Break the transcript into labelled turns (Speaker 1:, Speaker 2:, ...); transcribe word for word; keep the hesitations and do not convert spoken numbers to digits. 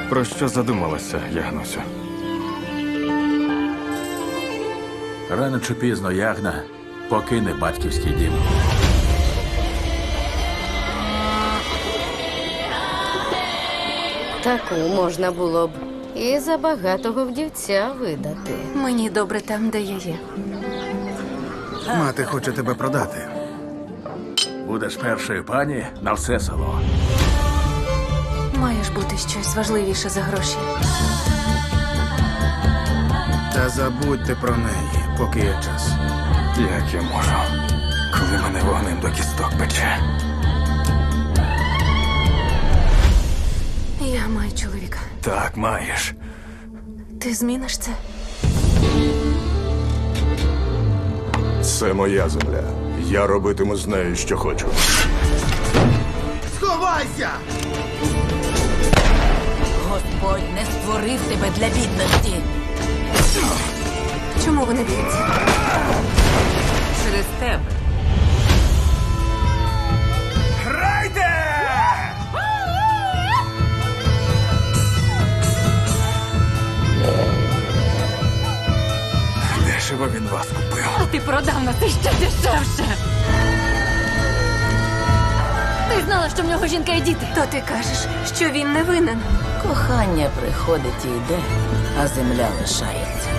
Speaker 1: Про що задумалася, Ягнусю?
Speaker 2: Рано чи пізно Ягна покине батьківський дім.
Speaker 3: Таку можна було б і за багатого вдівця видати.
Speaker 4: Мені добре там, де я є.
Speaker 5: Мати хоче тебе продати.
Speaker 2: Будеш першою пані на все село.
Speaker 4: Має ж бути щось важливіше за гроші.
Speaker 5: Та забудьте про неї, поки є час.
Speaker 1: Як я можу, коли мене вогнем до кісток пече?
Speaker 4: Я маю чоловіка.
Speaker 1: Так, маєш.
Speaker 4: Ти зміниш це?
Speaker 6: Це моя земля. Я робитиму з нею, що хочу.
Speaker 5: Сховайся!
Speaker 7: Господь не створив тебе для бідності.
Speaker 4: Чому вони б'ються?
Speaker 7: Через тебе.
Speaker 1: Грайте! Дешево він вас купив.
Speaker 4: А ти продав на це ще дешевше. Ти знала, що в нього жінка і діти. То ти кажеш, що він не винен.
Speaker 7: Кохання приходить і йде, а земля лишається.